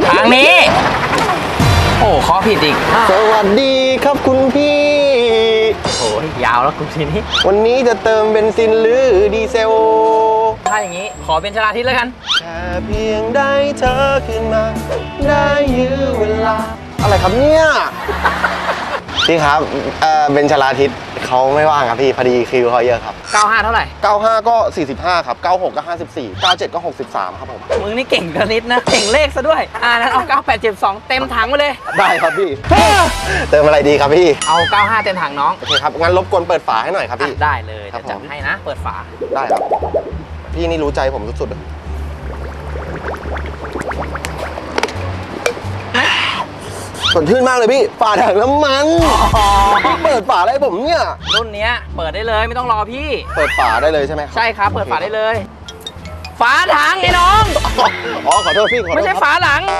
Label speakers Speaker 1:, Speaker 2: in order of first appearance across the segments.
Speaker 1: ทางนี้โอ้ข้อผิดอีก
Speaker 2: สวัสดีครับคุณพี่
Speaker 1: โอ้ยยาวแล้วคุณทีนี้
Speaker 2: วันนี้จะเติมเบนซินหรือดีเซล
Speaker 1: ถ้าอย่างนี้ขอเป็นชลาทิศแล้วกัน
Speaker 2: แค่เพียงได้เธอขึ้นมาได้ยื้อเวลาอะไรครับเนี่ยพี่ครับเบนชลาทิศเขาไม่ว่างครับพี่พอดีคิวเขาเยอะครับ
Speaker 1: 95เท่าไหร่
Speaker 2: 95ก็45ครับ96ก็54 97ก็63ครับผม
Speaker 1: มึงนี่เก่งกนิดนะเก่งเลขซะด้วยนั้นเอา9872เต็มถังไปเลย
Speaker 2: ได้ครับพี่เติมอะไรดีครับพี่
Speaker 1: เอา95เต็มถังน้อง
Speaker 2: โอเคครับงั้นรบกวนเปิดฝาให้หน่อยครับพี่
Speaker 1: ได้เลยจะจัดให้นะเปิดฝา
Speaker 2: ได้ครับพี่นี่รู้ใจผมสุดๆเลยสดชื่นมากเลยพี่ฝาถังน้ำมันพี่เปิดฝาอะไรผมเนี่ย
Speaker 1: รุ่นนี้เปิดได้เลยไม่ต้องรอพี่
Speaker 2: เปิดฝาได้เลยใช่ไหม
Speaker 1: ใช่ครับเปิดฝาได้เลยฝาถังไอ้น้อง
Speaker 2: อ๋อขอโทษพี่ขอโทษ
Speaker 1: ไม่ใช่ฝาหลัง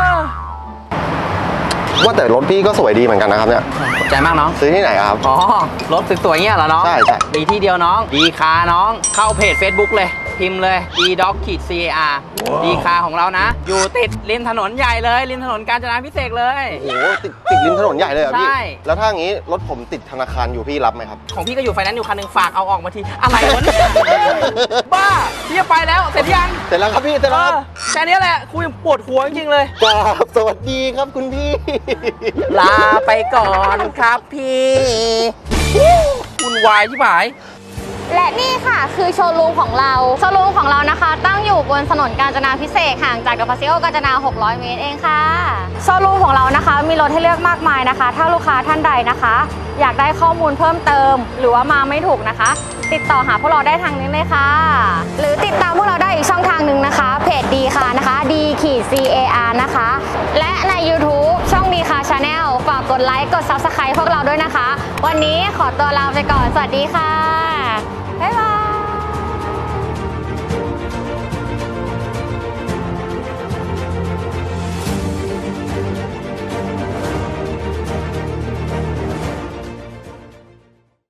Speaker 2: ว่าแต่รถพี่ก็สวยดีเหมือนกันนะครับเนี่ย
Speaker 1: ขอบใจมากน้อง
Speaker 2: ซื้อที่ไหนครับ
Speaker 1: อ๋อรถสวยๆเงี้ยเหรอน้อง
Speaker 2: ใช่
Speaker 1: มีที่เดียวน้องดีคาน้องเข้าเพจ Facebook เลยพิมพ์เลย DDoc-CAR ดีคาของเรานะอยู่ติดริมถนนใหญ่เลยริมถนนกาญจนาพิเศษเลย
Speaker 2: โอ้โหติดริมถนนใหญ่เลยเหรอพี่
Speaker 1: ใช่
Speaker 2: แล้วถ้าอย่างนี้รถผมติดธนาคารอยู่พี่รับไหมครับ
Speaker 1: ของพี่ก็อยู่ไฟแนนซ์อยู่คันหนึ่งฝากเอาออกมาทีอะไรวะเนี่ยบ้าพี่จะไปแล้วเสร็จยัง
Speaker 2: เสร็จแล้วครับพี่เสร็จแล้วครับ
Speaker 1: แค่นี้แหละคุยปวดหัวจริงๆเลย
Speaker 2: ครับสวัสดีครับคุณพี่
Speaker 1: ลาไปก่อนครับพี่วุ่นวายที่หมาย
Speaker 3: และนี่ค่ะคือโชว์รูมของเรานะคะตั้งอยู่บนถนนกาญจนาพิเศษห่างจากกับพาซิโอกาญจนา600 เมตรเองค่ะโชว์รูมของเรานะคะมีรถให้เลือกมากมายนะคะถ้าลูกค้าท่านใดนะคะอยากได้ข้อมูลเพิ่มเติมหรือว่ามาไม่ถูกนะคะติดต่อหาพวกเราได้ทางนี้เลยค่ะหรือติดตามพวกเราได้อีกช่องทางหนึ่งนะคะเพจดีค่ะนะคะ D-CAR นะคะและใน YouTube ช่องดีค่ะ Channel ฝากกดไลค์กด Subscribe พวกเราด้วยนะคะวันนี้ขอตัวลาไปก่อนสวัสดีค่ะบ๊ายบาย